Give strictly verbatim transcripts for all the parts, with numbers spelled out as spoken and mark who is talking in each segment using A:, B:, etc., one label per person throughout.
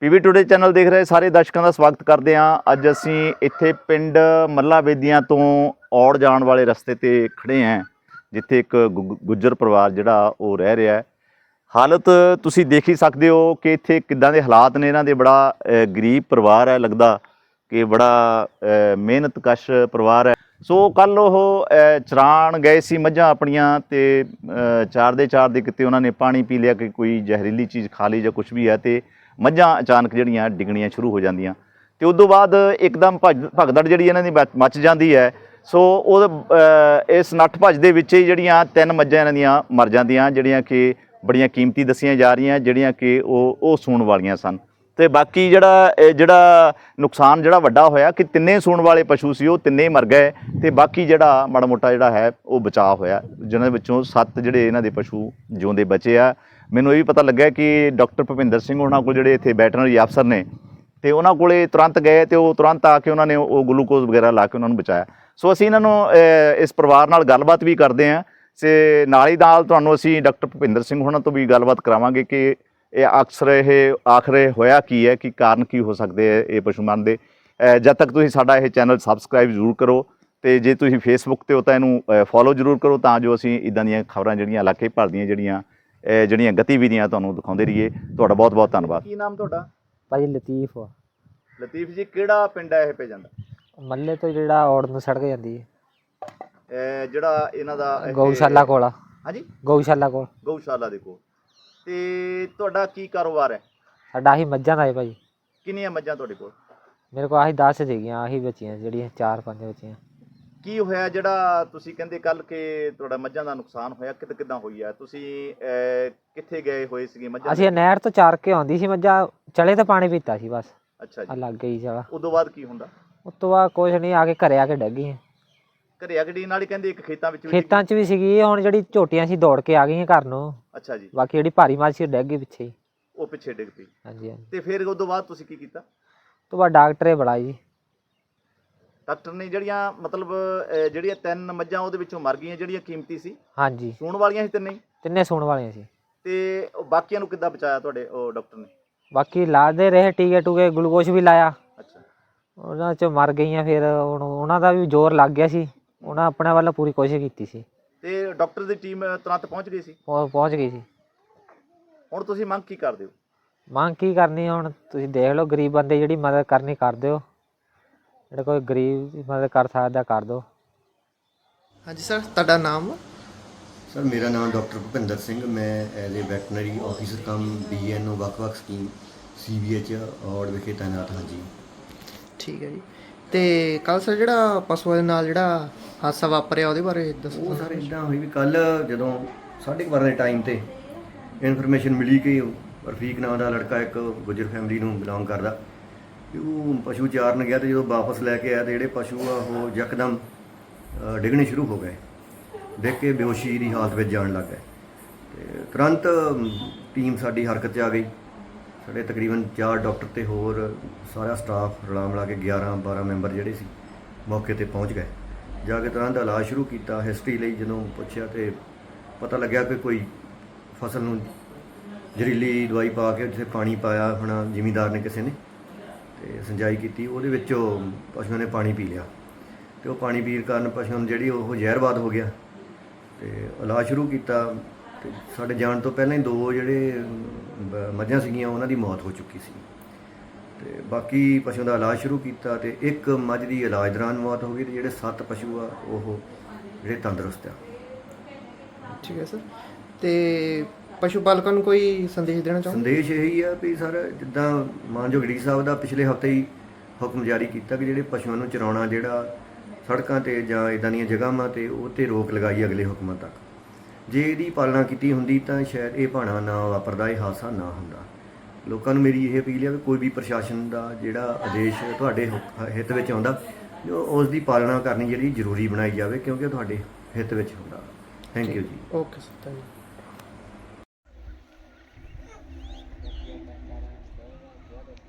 A: PV today channel ਦੇਖ ਰਹੇ ਸਾਰੇ ਦਰਸ਼ਕਾਂ ਦਾ ਸਵਾਗਤ ਕਰਦੇ ਹਾਂ। ਅੱਜ ਅਸੀਂ ਇੱਥੇ ਪਿੰਡ ਮੱਲਾ ਬੇਦੀਆਂ ਤੋਂ ਔੜ ਜਾਣ ਵਾਲੇ ਰਸਤੇ ਤੇ ਖੜੇ ਹਾਂ, ਜਿੱਥੇ ਇੱਕ ਗੁ- ਗੁੱਜਰ ਪਰਿਵਾਰ ਜਿਹੜਾ ਉਹ ਰਹਿ ਰਿਹਾ ਹੈ। ਹਾਲਤ ਤੁਸੀਂ ਦੇਖ ਹੀ ਸਕਦੇ ਹੋ ਕਿ ਇੱਥੇ ਕਿੱਦਾਂ ਦੇ ਹਾਲਾਤ ਨੇ ਇਹਨਾਂ ਦੇ। ਬੜਾ ਅ, ਗਰੀਬ ਪਰਿਵਾਰ ਹੈ, ਲੱਗਦਾ ਕਿ ਬੜਾ ਅ, ਮਿਹਨਤਕਸ਼ ਪਰਿਵਾਰ ਹੈ। ਸੋ ਕੱਲ ਉਹ ਅ, ਚਰਾਣ ਗਏ ਸੀ ਮੱਝਾਂ ਆਪਣੀਆਂ, ਤੇ ਅ, ਚਾਰਦੇ ਚਾਰਦੇ ਕਿਤੇ ਉਹਨਾਂ ਨੇ ਪਾਣੀ ਪੀ ਲਿਆ ਕਿ ਕੋਈ ਜ਼ਹਿਰੀਲੀ ਚੀਜ਼ ਖਾ ਲਈ ਜਾਂ ਕੁਛ ਵੀ ਹੈ, ਤੇ ਮੱਝਾਂ ਅਚਾਨਕ ਜਿਹੜੀਆਂ ਡਿੱਗਣੀਆਂ ਸ਼ੁਰੂ ਹੋ ਜਾਂਦੀਆਂ, ਤੇ ਉਸ ਤੋਂ ਬਾਅਦ ਇੱਕਦਮ ਭੱਜ ਭਗਦੜ ਜਿਹੜੀ ਇਹਨਾਂ ਦੀ ਮਚ ਮੱਚ ਜਾਂਦੀ ਹੈ। ਸੋ ਉਹ ਅ, ਇਸ ਨੱਠ ਭੱਜ ਦੇ ਵਿੱਚ ਹੀ ਜਿਹੜੀਆਂ ਤਿੰਨ ਮੱਝਾਂ ਇਹਨਾਂ ਦੀਆਂ ਮਰ ਜਾਂਦੀਆਂ, ਜਿਹੜੀਆਂ ਕਿ ਬੜੀਆਂ ਕੀਮਤੀ ਦੱਸੀਆਂ ਜਾ ਰਹੀਆਂ, ਜਿਹੜੀਆਂ ਕਿ ਉਹ ਉਹ ਸੂਣ ਵਾਲੀਆਂ ਸਨ। ਤੇ ਬਾਕੀ ਜਿਹੜਾ ਇਹ ਜਿਹੜਾ ਨੁਕਸਾਨ ਜਿਹੜਾ ਵੱਡਾ ਹੋਇਆ ਕਿ ਤਿੰਨੇ ਸੂਣ ਵਾਲੇ ਪਸ਼ੂ ਸੀ ਉਹ ਤਿੰਨੇ ਮਰ ਗਏ, ਤੇ ਬਾਕੀ ਜਿਹੜਾ ਮਾੜਾ ਮੋਟਾ ਜਿਹੜਾ ਹੈ ਉਹ ਬਚਾਅ ਹੋਇਆ, ਜਿਹਨਾਂ ਵਿੱਚੋਂ ਸੱਤ ਜਿਹੜੇ ਇਹਨਾਂ ਦੇ ਪਸ਼ੂ ਜਿਉਂਦੇ ਬਚੇ ਆ। ਮੈਨੂੰ ਇਹ ਵੀ ਪਤਾ ਲੱਗਾ ਕਿ ਡਾਕਟਰ ਭੁਪਿੰਦਰ ਸਿੰਘ ਉਹਨਾਂ ਕੋਲ ਜਿਹੜੇ ਇੱਥੇ ਵੈਟਰਨਰੀ ਅਫਸਰ ਨੇ, ਤੇ ਉਹਨਾਂ ਕੋਲੇ ਤੁਰੰਤ ਗਏ ਤੇ ਉਹ ਤੁਰੰਤ ਆ ਕੇ ਉਹਨਾਂ ਨੇ ਉਹ ਗਲੂਕੋਜ਼ ਵਗੈਰਾ ਲਾ ਕੇ ਉਹਨਾਂ ਨੂੰ ਬਚਾਇਆ। ਸੋ ਅਸੀਂ ਇਹਨਾਂ ਨੂੰ ਇਸ ਪਰਿਵਾਰ ਨਾਲ ਗੱਲਬਾਤ ਵੀ ਕਰਦੇ ਹਾਂ, ਤੇ ਨਾਲ ਹੀ ਨਾਲ ਤੁਹਾਨੂੰ ਅਸੀਂ ਡਾਕਟਰ ਭੁਪਿੰਦਰ ਸਿੰਘ ਉਹਨਾਂ ਤੋਂ ਵੀ ਗੱਲਬਾਤ ਕਰਾਵਾਂਗੇ ਕਿ ਇਹ ਅਕਸਰ ਇਹ ਆਖਰ ਹੋਇਆ ਕੀ ਹੈ, ਕਿ ਕਾਰਨ ਕੀ ਹੋ ਸਕਦੇ ਹੈ ਇਹ ਪਸ਼ੂ ਮਰਨ ਦੇ। ਜਦ ਤੱਕ ਤੁਸੀਂ ਸਾਡਾ ਇਹ ਚੈਨਲ ਸਬਸਕ੍ਰਾਈਬ ਜ਼ਰੂਰ ਕਰੋ, ਤੇ ਜੇ ਤੁਸੀਂ ਫੇਸਬੁੱਕ 'ਤੇ ਹੋ ਤਾਂ ਇਹਨੂੰ ਫੋਲੋ ਜ਼ਰੂਰ ਕਰੋ, ਤਾਂ ਜੋ ਅਸੀਂ ਇੱਦਾਂ ਦੀਆਂ ਖਬਰਾਂ ਜਿਹੜੀਆਂ ਇਲਾਕੇ ਭਰ ਦੀਆਂ ਜਿਹੜੀਆਂ ਜਿਹੜੀਆਂ ਗਤੀਵਿਧੀਆਂ ਤੁਹਾਨੂੰ ਦਿਖਾਉਂਦੇ ਰਹੀਏ। ਤੁਹਾਡਾ ਬਹੁਤ ਬਹੁਤ ਧੰਨਵਾਦ। ਕੀ ਨਾਮ ਤੁਹਾਡਾ?
B: ਭਾਜੀ ਲਤੀਫ ਆ।
A: ਲਤੀਫ ਜੀ, ਕਿਹੜਾ ਪਿੰਡ ਹੈ ਇਹ ਪੈ ਜਾਂਦਾ?
B: ਮੱਲੇ ਤੋਂ ਜਿਹੜਾ ਔੜ ਨੂੰ ਸੜਕ ਜਾਂਦੀ ਹੈ,
A: ਜਿਹੜਾ ਇਹਨਾਂ ਦਾ
B: ਗਊਸ਼ਾਲਾ ਕੋਲ ਆ।
A: ਹਾਂਜੀ,
B: ਗਊਸ਼ਾਲਾ ਕੋਲ।
A: ਗਊਸ਼ਾਲਾ ਦੇ ਕੋਲ। ਤੇ ਤੁਹਾਡਾ ਕੀ ਕਾਰੋਬਾਰ ਹੈ?
B: ਸਾਡਾ ਆਹੀ ਮੱਝਾਂ ਦਾ ਹੈ ਭਾਜੀ।
A: ਕਿੰਨੀਆਂ ਮੱਝਾਂ ਤੁਹਾਡੇ ਕੋਲ?
B: ਮੇਰੇ ਕੋਲ ਆਹੀ ਦਸ ਸੀਗੀਆਂ, ਆਹੀ ਬੱਚੀਆਂ ਜਿਹੜੀਆਂ ਚਾਰ ਪੰਜ ਬੱਚੀਆਂ।
A: ਕੀ ਹੋਇਆ ਜਿਹੜਾ ਤੁਸੀਂ ਕਹਿੰਦੇ ਕੱਲ ਕਿ ਤੁਹਾਡਾ ਮੱਝਾਂ ਦਾ ਨੁਕਸਾਨ ਹੋਇਆ, ਕਿਤੇ ਕਿੱਦਾਂ ਹੋਈ ਹੈ? ਤੁਸੀਂ ਕਿੱਥੇ ਗਏ ਹੋਏ ਸੀਗੇ ਮੱਝਾਂ?
B: ਅਸੀਂ ਨਹਿਰ ਤੋਂ ਚਾਰ ਕੇ ਆਉਂਦੀ ਸੀ ਮੱਝਾਂ, ਚਲੇ ਤਾਂ ਪਾਣੀ ਪੀਤਾ ਸੀ ਬਸ।
A: ਅੱਛਾ ਜੀ।
B: ਲੱਗ ਗਈ ਚਲਾ।
A: ਉਸ ਤੋਂ ਬਾਅਦ ਕੀ ਹੁੰਦਾ?
B: ਉਸ ਤੋਂ ਬਾਅਦ ਕੁਛ ਨਹੀਂ, ਆ ਕੇ ਘਰੇ ਆ ਕੇ ਡਿੱਗ ਗਈਆਂ।
A: ਘਰੇ ਆ ਕੇ ਡਿੱਗਣ ਵਾਲੀ ਕਹਿੰਦੇ ਇੱਕ ਖੇਤਾਂ ਵਿੱਚ
B: ਖੇਤਾਂ 'ਚ ਵੀ ਸੀਗੀ, ਹੁਣ ਜਿਹੜੀ ਝੋਟੀਆਂ ਸੀ ਦੌੜ ਕੇ ਆ ਗਈਆਂ ਘਰ ਨੂੰ।
A: ਅੱਛਾ ਜੀ।
B: ਬਾਕੀ ਜਿਹੜੀ ਭਾਰੀ ਮੱਝ ਸੀ ਡਿੱਗ ਗਈ ਪਿੱਛੇ ਹੀ।
A: ਉਹ ਪਿੱਛੇ ਡਿੱਗ ਪਈ?
B: ਹਾਂਜੀ ਹਾਂਜੀ।
A: ਤੇ ਫਿਰ ਉਸ ਤੋਂ ਬਾਅਦ ਤੁਸੀਂ ਕੀ ਕੀਤਾ?
B: ਉਸ ਤੋਂ ਬਾਅਦ ਡਾਕਟਰੇ ਬੁਲਾਇਆ ਜੀ।
A: ਡਾਕਟਰ ਨੇ ਜਿਹੜੀਆਂ ਮਤਲਬ ਜਿਹੜੀਆਂ ਤਿੰਨ ਮੱਝਾਂ ਉਹਦੇ ਵਿੱਚੋਂ ਮਰ ਗਈਆਂ ਜਿਹੜੀਆਂ ਕੀਮਤੀ ਸੀ? ਹਾਂਜੀ। ਸੂਣ ਵਾਲੀਆਂ ਸੀ ਤਿੰਨੇ? ਤਿੰਨੇ
B: ਸੂਣ ਵਾਲੀਆਂ ਸੀ।
A: ਤੇ ਬਾਕੀਆਂ ਨੂੰ ਕਿੱਦਾਂ ਬਚਾਇਆ ਤੁਹਾਡੇ ਉਹ ਡਾਕਟਰ ਨੇ?
B: ਬਾਕੀ ਲਾਦੇ ਰਹੇ ਟੀਕੇ ਟੂਕੇ, ਗਲੂਕੋਜ਼ ਵੀ ਲਾਇਆ।
A: ਅੱਛਾ। ਉਹਨਾਂ 'ਚ
B: ਮਰ ਗਈਆਂ। ਫਿਰ ਹੁਣ ਉਹਨਾਂ ਦਾ ਵੀ ਜ਼ੋਰ ਲੱਗ ਗਿਆ ਸੀ, ਉਹਨਾਂ ਆਪਣੇ ਵੱਲੋਂ ਪੂਰੀ ਕੋਸ਼ਿਸ਼ ਕੀਤੀ ਸੀ।
A: ਤੇ ਡਾਕਟਰ ਦੀ ਟੀਮ ਤੁਰੰਤ ਪਹੁੰਚ ਗਈ ਸੀ? ਪਹੁੰਚ
B: ਗਈ ਸੀ।
A: ਹੁਣ ਤੁਸੀਂ ਮੰਗ ਕੀ ਕਰਦੇ ਹੋ?
B: ਮੰਗ ਕੀ ਕਰਨੀ, ਹੁਣ ਤੁਸੀਂ ਦੇਖ ਲਓ, ਗਰੀਬ ਬੰਦੇ ਜਿਹੜੀ ਮਦਦ ਕਰਨੀ ਕਰ ਦਿਓ, ਜਿਹੜਾ ਕੋਈ ਗਰੀਬ ਦੀ ਮਦਦ ਕਰ ਸਕਦਾ ਕਰ ਦਿਓ।
C: ਹਾਂਜੀ ਸਰ, ਤੁਹਾਡਾ ਨਾਮ?
D: ਸਰ ਮੇਰਾ ਨਾਮ ਡਾਕਟਰ ਭੁਪਿੰਦਰ ਸਿੰਘ, ਮੈਂ as a veterinary officer cum B N O ਵੱਖ-ਵੱਖ scheme C B H Aur ਵਿਖੇ ਤਾਇਨਾਤ ਹਾਂ ਜੀ।
C: ਠੀਕ ਹੈ ਜੀ। ਤੇ ਕੱਲ ਸਰ ਜਿਹੜਾ ਪਸ਼ੂਆਂ ਦੇ ਨਾਲ ਜਿਹੜਾ ਹਾਦਸਾ ਵਾਪਰਿਆ ਉਹਦੇ ਬਾਰੇ ਦੱਸੋ।
D: ਉਹ ਸਰ ਇੱਦਾਂ ਹੋਈ ਵੀ ਕੱਲ ਜਦੋਂ ਸਾਢੇ ਕੁ ਬਾਰਾਂ ਦੇ ਟਾਈਮ ਤੇ ਇਨਫੋਰਮੇਸ਼ਨ ਮਿਲੀ ਕਿ ਰਫੀਕ ਨਾਂ ਦਾ ਲੜਕਾ ਇੱਕ ਗੁੱਜਰ ਫੈਮਿਲੀ ਨੂੰ ਬਿਲੋਂਗ ਕਰਦਾ, ਕਿ ਉਹ ਪਸ਼ੂ ਚਾਰਨ ਗਿਆ, ਤੇ ਜਦੋਂ ਵਾਪਸ ਲੈ ਕੇ ਆਇਆ ਤੇ ਜਿਹੜੇ ਪਸ਼ੂ ਆ ਉਹ ਯਕਦਮ ਡਿੱਗਣੇ ਸ਼ੁਰੂ ਹੋ ਗਏ। ਦੇਖ ਕੇ ਬੇਹੋਸ਼ੀ ਦੀ ਹਾਲਤ ਵਿੱਚ ਜਾਣ ਲੱਗ ਗਏ, ਤੇ ਤੁਰੰਤ ਟੀਮ ਸਾਡੀ ਹਰਕਤ 'ਚ ਆ ਗਈ। ਸਾਡੇ ਤਕਰੀਬਨ ਚਾਰ ਡਾਕਟਰ ਤੇ ਹੋਰ ਸਾਰਾ ਸਟਾਫ ਰਲਾ ਮਿਲਾ ਕੇ ਗਿਆਰਾਂ ਬਾਰਾਂ ਮੈਂਬਰ ਜਿਹੜੇ ਸੀ ਮੌਕੇ 'ਤੇ ਪਹੁੰਚ ਗਏ। ਜਾ ਕੇ ਤੁਰੰਤ ਇਲਾਜ ਸ਼ੁਰੂ ਕੀਤਾ। ਹਿਸਟਰੀ ਲਈ ਜਦੋਂ ਪੁੱਛਿਆ ਤੇ ਪਤਾ ਲੱਗਿਆ ਕਿ ਕੋਈ ਫਸਲ ਨੂੰ ਜ਼ਹਿਰੀਲੀ ਦਵਾਈ ਪਾ ਕੇ ਜਿੱਥੇ ਪਾਣੀ ਪਾਇਆ ਹੋਣਾ ਜ਼ਿਮੀਂਦਾਰ ਨੇ ਕਿਸੇ ਨੇ, ਤੇ ਸਿੰਜਾਈ ਕੀਤੀ, ਉਹਦੇ ਵਿੱਚੋਂ ਪਸ਼ੂਆਂ ਨੇ ਪਾਣੀ ਪੀ ਲਿਆ, ਤੇ ਉਹ ਪਾਣੀ ਪੀਣ ਕਾਰਨ ਪਸ਼ੂਆਂ ਨੂੰ ਜਿਹੜੀ ਉਹ ਜ਼ਹਿਰਵਾਦ ਹੋ ਗਿਆ। ਤੇ ਇਲਾਜ ਸ਼ੁਰੂ ਕੀਤਾ, ਤੇ ਸਾਡੇ ਜਾਣ ਤੋਂ ਪਹਿਲਾਂ ਹੀ ਦੋ ਜਿਹੜੇ ਮੱਝਾਂ ਸੀਗੀਆਂ ਉਹਨਾਂ ਦੀ ਮੌਤ ਹੋ ਚੁੱਕੀ ਸੀ, ਤੇ ਬਾਕੀ ਪਸ਼ੂਆਂ ਦਾ ਇਲਾਜ ਸ਼ੁਰੂ ਕੀਤਾ, ਤੇ ਇੱਕ ਮੱਝ ਦੀ ਇਲਾਜ ਦੌਰਾਨ ਮੌਤ ਹੋ ਗਈ, ਤੇ ਜਿਹੜੇ ਸੱਤ ਪਸ਼ੂ ਆ ਉਹ ਜਿਹੜੇ ਤੰਦਰੁਸਤ ਆ।
C: ਠੀਕ ਹੈ ਸਰ। ਤੇ ਪਸ਼ੂ ਪਾਲਕਾਂ ਨੂੰ ਕੋਈ ਸੰਦੇਸ਼ ਦੇਣਾ ਚਾਹੋ?
D: ਸੰਦੇਸ਼ ਇਹੀ ਆ ਵੀ ਸਰ, ਜਿੱਦਾਂ ਮਾਨਯੋਗ ਡੀ ਸਾਹਿਬ ਦਾ ਪਿਛਲੇ ਹਫ਼ਤੇ ਹੀ ਹੁਕਮ ਜਾਰੀ ਕੀਤਾ ਕਿ ਜਿਹੜੇ ਪਸ਼ੂਆਂ ਨੂੰ ਚਰਾਉਣਾ ਜਿਹੜਾ ਸੜਕਾਂ 'ਤੇ ਜਾਂ ਇੱਦਾਂ ਦੀਆਂ ਜਗ੍ਹਾਵਾਂ 'ਤੇ ਉਹ 'ਤੇ ਰੋਕ ਲਗਾਈ ਅਗਲੇ ਹੁਕਮਾਂ ਤੱਕ। ਜੇ ਇਹਦੀ ਪਾਲਣਾ ਕੀਤੀ ਹੁੰਦੀ ਤਾਂ ਸ਼ਾਇਦ ਇਹ ਭਾਣਾ ਨਾ ਵਾਪਰਦਾ, ਇਹ ਹਾਦਸਾ ਨਾ ਹੁੰਦਾ। ਲੋਕਾਂ ਨੂੰ ਮੇਰੀ ਇਹ ਅਪੀਲ ਹੈ ਕਿ ਕੋਈ ਵੀ ਪ੍ਰਸ਼ਾਸਨ ਦਾ ਜਿਹੜਾ ਆਦੇਸ਼ ਤੁਹਾਡੇ ਹਿੱਤ ਵਿੱਚ ਆਉਂਦਾ, ਉਸ ਦੀ ਪਾਲਣਾ ਕਰਨੀ ਜਿਹੜੀ ਜ਼ਰੂਰੀ ਬਣਾਈ ਜਾਵੇ, ਕਿਉਂਕਿ ਤੁਹਾਡੇ ਹਿੱਤ ਵਿੱਚ ਹੁੰਦਾ। Thank you ji.
C: Okay sir, thank you.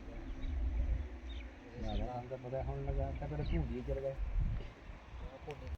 B: ਹੁਣ ਲਗਾ ਤਾਂ ਫਿਰ ਭੂਜੀ ਚਲ ਗਏ।